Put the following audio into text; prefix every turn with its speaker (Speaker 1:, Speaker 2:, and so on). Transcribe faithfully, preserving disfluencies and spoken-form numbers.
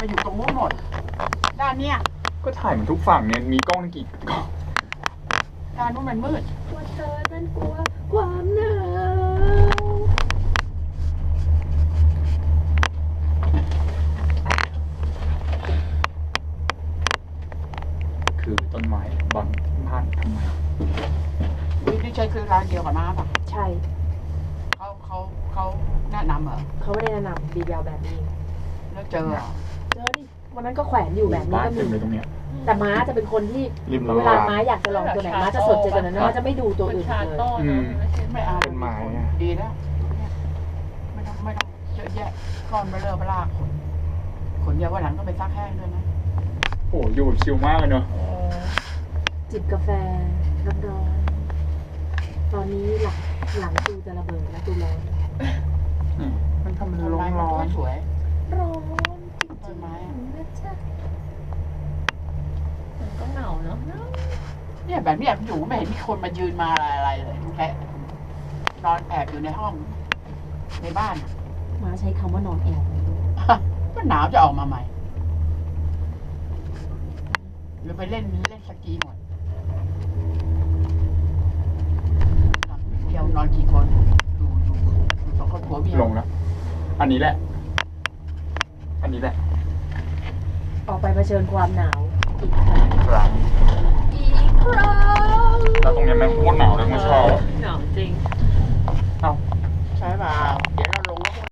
Speaker 1: มาอยู่ตรงนู้นหมดด้านเนี้ย
Speaker 2: ก็ถ่ายมันทุกฝั่งเนี่ยมีกล้องกี่กล้อง
Speaker 1: ด้านนู้นมันมืด
Speaker 3: กลัวเธอนั้นกลัวความหนาว
Speaker 2: คือต้นไม้บังบ้านทำไม
Speaker 1: นี่ที่ใช้คือร้านเดียวกับน้าป่ะ
Speaker 3: ใช่
Speaker 1: เขาเขาเขาแนะนำเหรอ
Speaker 3: เขาไม่ได้แนะนำดีเดียวแบบนี้
Speaker 1: แล้วเจอเหรอ
Speaker 3: เจอดิวันนั้นก็แขวนอยู่แบบนี้ก็มี
Speaker 2: ตรงเนี้ย
Speaker 3: แต่ม้าจะเป็นคนที่เวลาม้าอยากจะลองตัวไหนม้าจะสนใจตัวนั้นม้าจะไม่ดูตัวอื่นเลย
Speaker 1: ไม่เอา
Speaker 2: เป็นไม้
Speaker 1: ดีแล้วไม่ต้องไม่ต้องเยอะแยะก้อนเบลอเบลาขนขนเยอะวันหลังก็ไปซักแห้งด้วยนะ
Speaker 2: โอ้อยู่ชิลมากเลยเนอะ
Speaker 3: จิบกาแฟร้อนๆตอนนี้หลังหลังตูจะระเบิดแล้วตูร้อน
Speaker 2: มันทำมันร้อนร้อน
Speaker 1: สวย
Speaker 3: ร้อน
Speaker 1: ต้นไม้
Speaker 3: มันก็เหงาเนาะ
Speaker 1: เนี่ยแบบนี้อยู่ไม่เห็นมีคนมายืนมาอะไรเลยแค่นอนแอบอยู่ในห้องในบ้าน
Speaker 3: ม้าใช้คำว่านอนแอบ
Speaker 1: ก็หนาวจะออกมาใหม่หรือไปเล่นเล่นสกีหมดเที่ยวนอนกี่คนดูดูดูสองคนผัวเมีย
Speaker 2: ลงแล้วอันนี้แหละอันนี้แหละ
Speaker 3: ออกไปเผชิญความหนาวอีก
Speaker 2: ครั้ง
Speaker 3: อีกครั้ง
Speaker 2: แล้วตรงนี้แม่งโคตรหนาวเลยไม่ชอบ
Speaker 3: หนาวจริง
Speaker 2: เอ้า
Speaker 1: ใช่ป่ะ